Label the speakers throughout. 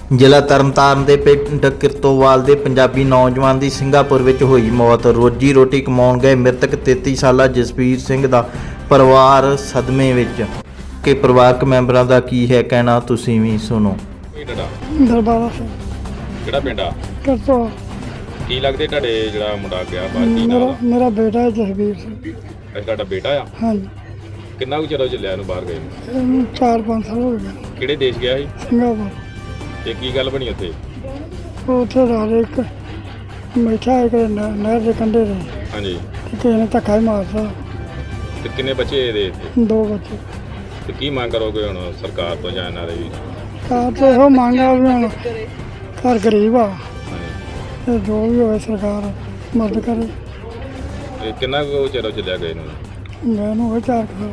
Speaker 1: ਜ਼ਿਲ੍ਹਾ ਤਰਨਤਾਰਨ ਦੇ ਪਿੰਡ ਕਿਰਤੋਵਾਲ ਦੇ ਪੰਜਾਬੀ ਨੌਜਵਾਨ ਦੀ ਸਿੰਗਾਪੁਰ ਵਿੱਚ ਹੋਈ ਮੌਤ। ਰੋਜੀ ਰੋਟੀ ਕਮਾਉਣ ਗਏ ਮ੍ਰਿਤਕ 33 ਸਾਲਾ ਜਸਵੀਰ ਸਿੰਘ ਦਾ ਪਰਿਵਾਰ ਸਦਮੇ ਵਿੱਚ। ਕਿ ਪਰਿਵਾਰਕ ਮੈਂਬਰਾਂ ਦਾ ਕੀ ਹੈ ਕਹਿਣਾ, ਤੁਸੀਂ ਵੀ ਸੁਣੋ।
Speaker 2: ਦਰਬਾਰਾ ਸਿੰਘ
Speaker 3: ਕਿਹੜਾ ਪਿੰਡ ਆ?
Speaker 2: ਕਰਤੋ
Speaker 3: ਕੀ ਲੱਗਦੇ ਤੁਹਾਡੇ ਜਿਹੜਾ ਮੁੰਡਾ ਗਿਆ ਬਾਹਰ ਕੀ ਨਾਮ ਆ?
Speaker 2: ਮੇਰਾ ਬੇਟਾ ਹੈ ਜਸਵੀਰ ਸਿੰਘ।
Speaker 3: ਅੱਛਾ, ਤੁਹਾਡਾ ਬੇਟਾ ਆ?
Speaker 2: ਹਾਂਜੀ,
Speaker 3: ਕਿੰਨਾ ਕੁ ਚਿਰ ਹੋ ਚੱਲਿਆ ਇਹਨੂੰ ਬਾਹਰ ਗਏ ਨੂੰ?
Speaker 2: ਇਹਨੂੰ 4-5 ਸਾਲ ਹੋ ਗਏ।
Speaker 3: ਕਿਹੜੇ ਦੇਸ਼ ਗਿਆ ਸੀ
Speaker 2: ਸਿੰਗਾਪੁਰ।
Speaker 3: ਤੇ ਕੀ ਗੱਲ ਬਣੀ ਉੱਥੇ?
Speaker 2: ਉੱਥੇ ਰਹਿ ਇੱਕ ਬੈਠਾ ਇੱਕ ਨਹਿਰ ਦੇ ਕੰਢੇ ਤੇ
Speaker 3: ਹਾਂਜੀ,
Speaker 2: ਕਿਸੇ ਨੇ ਧੱਕਾ ਹੀ ਮਾਰਤਾ।
Speaker 3: ਤੇ ਕਿੰਨੇ ਬੱਚੇ ਇਹਦੇ ਇੱਥੇ?
Speaker 2: 2 ਬੱਚੇ।
Speaker 3: ਤੇ ਕੀ ਮੰਗ ਕਰੋਗੇ ਹੁਣ ਸਰਕਾਰ ਤੋਂ ਜਾਂ ਇਹਨਾਂ ਦੇ ਵੀ?
Speaker 2: ਤਾਂ ਤੇ ਇਹੋ ਮੰਗ ਆ ਵੀ ਹੁਣ ਘਰ ਗਰੀਬ ਆ
Speaker 3: ਹਾਂਜੀ,
Speaker 2: ਤੇ ਜੋ ਵੀ ਹੋਵੇ ਸਰਕਾਰ ਮਦਦ ਕਰੇ।
Speaker 3: ਤੇ ਕਿੰਨਾ ਕੁ ਚਿਰ ਹੋ ਚੱਲਿਆ ਗਏ ਨੂੰ?
Speaker 2: ਮੈਨੂੰ ਉਹ 4 ਸਾਲ।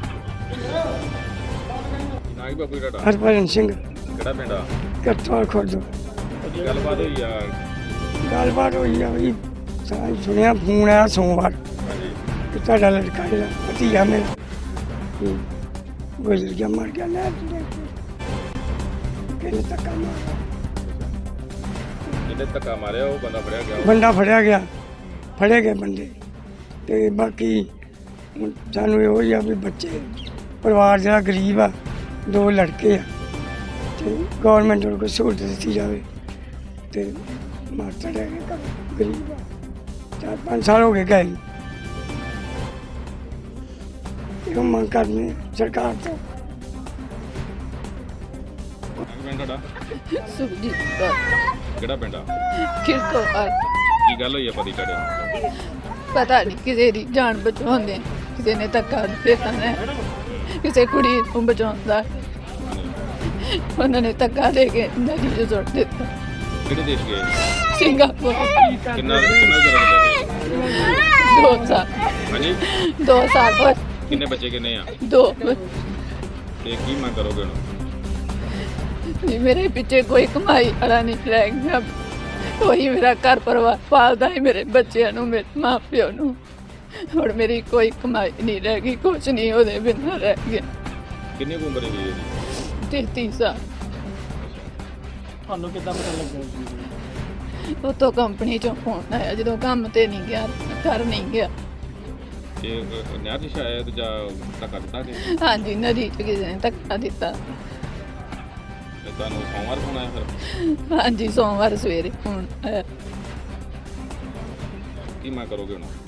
Speaker 3: ਨਾ ਹੀ ਬਾਪੂ ਤੁਹਾਡਾ?
Speaker 2: ਹਰਭਜਨ ਸਿੰਘ
Speaker 3: ਕਿਹੜਾ ਪਿੰਡ ਆ?
Speaker 2: ਕਰਤਵਾਲ ਖੁਰਦ।
Speaker 3: ਕੀ ਗੱਲਬਾਤ ਹੋਈ ਆ?
Speaker 2: ਗੱਲਬਾਤ ਹੋਈ ਆ ਵੀ ਸਾਂ ਸੁਣਿਆ ਫੋਨ ਆਇਆ ਸੋਮਵਾਰ
Speaker 3: ਹਾਂਜੀ,
Speaker 2: ਕਿ ਤੁਹਾਡਾ ਲੜਕਾ ਜਿਹੜਾ ਭਤੀਜਾ ਮੇਰਾ ਗੁਜ਼ਰ ਗਿਆ, ਮਰ ਗਿਆ ਨਹਿਰ ਚ। ਕਿਹਨੇ ਧੱਕਾ ਮਾਰਿਆ?
Speaker 3: ਜਿਹਨੇ ਧੱਕਾ ਮਾਰਿਆ ਉਹ ਬੰਦਾ ਫੜਿਆ ਗਿਆ?
Speaker 2: ਬੰਦਾ ਫੜਿਆ ਗਿਆ, ਫੜੇ ਗਏ ਬੰਦੇ। ਤੇ ਬਾਕੀ ਹੁਣ ਸਾਨੂੰ ਇਹੋ ਹੀ ਆ ਵੀ ਬੱਚੇ ਪਰਿਵਾਰ ਜਿਹੜਾ ਗਰੀਬ ਆ, 2 ਲੜਕੇ ਆ, ਤੇ ਗੌਰਮੈਂਟ ਨੂੰ ਕੋਈ ਸਹੂਲਤ ਦਿੱਤੀ ਜਾਵੇ। ਤੇ ਮਾਤਾ ਰਹਿ ਗਏ ਗਰੀਬ ਆ, 4-5 ਸਾਲ ਹੋ ਗਏ ਗਏ ਨੂੰ। ਇਹੋ ਮੰਗ ਕਰਨੀ ਸਰਕਾਰ ਤੋਂ।
Speaker 3: ਪਿੰਡ ਤੁਹਾਡਾ?
Speaker 4: ਸੁਖਜੀਤ ਕੌਰ,
Speaker 3: ਕਿਹੜਾ ਪਿੰਡ ਆ?
Speaker 4: ਕਿਰਤੋਵਾਲ।
Speaker 3: ਕੀ ਗੱਲ ਹੋਈ ਆ ਪਤੀ ਤੁਹਾਡੇ?
Speaker 4: ਪਤਾ ਨਹੀਂ ਕਿਸੇ ਦੀ ਜਾਨ ਬਚਾਉਂਦੇ, ਕਿਸੇ ਨੇ ਧੱਕਾ ਦਿੱਤਾ ਨੇ, ਕਿਸੇ ਕੁੜੀ ਨੂੰ ਬਚਾਉਂਦਾ, ਉਹਨਾਂ ਨੇ ਧੱਕਾ ਦੇ ਕੇ ਨਦੀ 'ਚ ਸੁੱਟ ਦਿੱਤਾ।
Speaker 3: ਕਿਹੜੇ ਦੇਸ਼ ਗਏ?
Speaker 4: ਸਿੰਗਾਪੁਰ।
Speaker 3: ਕਿੰਨਾ ਚਿਰ ਹੋ ਚੱਲਿਆ?
Speaker 4: 2 ਸਾਲ।
Speaker 3: ਹਾਂਜੀ,
Speaker 4: 2 ਸਾਲ ਹੋਏ।
Speaker 3: ਕਿੰਨੇ ਬੱਚੇ ਕਿੰਨੇ ਆ?
Speaker 4: 2।
Speaker 3: ਤੇ ਕੀ ਮੰਗ ਕਰੋਗੇ ਹੁਣ?
Speaker 4: ਮੇਰੇ ਪਿੱਛੇ ਕੋਈ ਕਮਾਈ ਵਾਲਾ ਨਹੀਂ ਰਹਿ ਗਿਆ, ਕੋਈ ਮੇਰਾ ਘਰ ਪਰਿਵਾਰ ਪਾਲਦਾ ਹੀ ਮੇਰੇ ਬੱਚਿਆਂ ਨੂੰ, ਮੇਰੇ ਮਾਂ ਪਿਓ ਨੂੰ। ਹੁਣ ਮੇਰੀ ਕੋਈ ਕਮਾਈ ਨਹੀਂ ਰਹਿ ਗਈ, ਕੁਛ ਨਹੀਂ ਉਹਦੇ ਬਿਨਾਂ ਰਹਿ ਗਿਆ।
Speaker 3: ਕਿੰਨੀ ਕੁ ਉਮਰ ਹੈ ਇਹਦੀ?
Speaker 4: 33 ਸਾਲ।
Speaker 2: ਤੁਹਾਨੂੰ ਕਿੱਦਾਂ ਪਤਾ ਲੱਗਿਆ?
Speaker 4: ਉਤੋਂ ਕੰਪਨੀ ਚੋਂ ਫੋਨ ਆਇਆ, ਜਦੋਂ ਕੰਮ ਤੇ ਨਹੀਂ ਗਿਆ, ਘਰ ਨਹੀਂ ਗਿਆ।
Speaker 3: ਇਹ ਨਹਿਰ 'ਚ ਸ਼ਾਇਦ ਜਾਂ ਧੱਕਾ ਦਿੱਤਾ ਕਿ?
Speaker 4: ਹਾਂਜੀ, ਨਦੀ 'ਚ ਕਿਸੇ ਨੇ ਧੱਕਾ ਦਿੱਤਾ।
Speaker 3: ਤੇ ਤੁਹਾਨੂੰ ਸੋਮਵਾਰ ਫੋਨ ਆਇਆ ਫਿਰ?
Speaker 4: ਹਾਂਜੀ, ਸੋਮਵਾਰ ਸਵੇਰੇ ਫੋਨ ਆਇਆ।
Speaker 3: ਕੀ ਮੰਗ ਕਰੋਗੇ ਹੁਣ?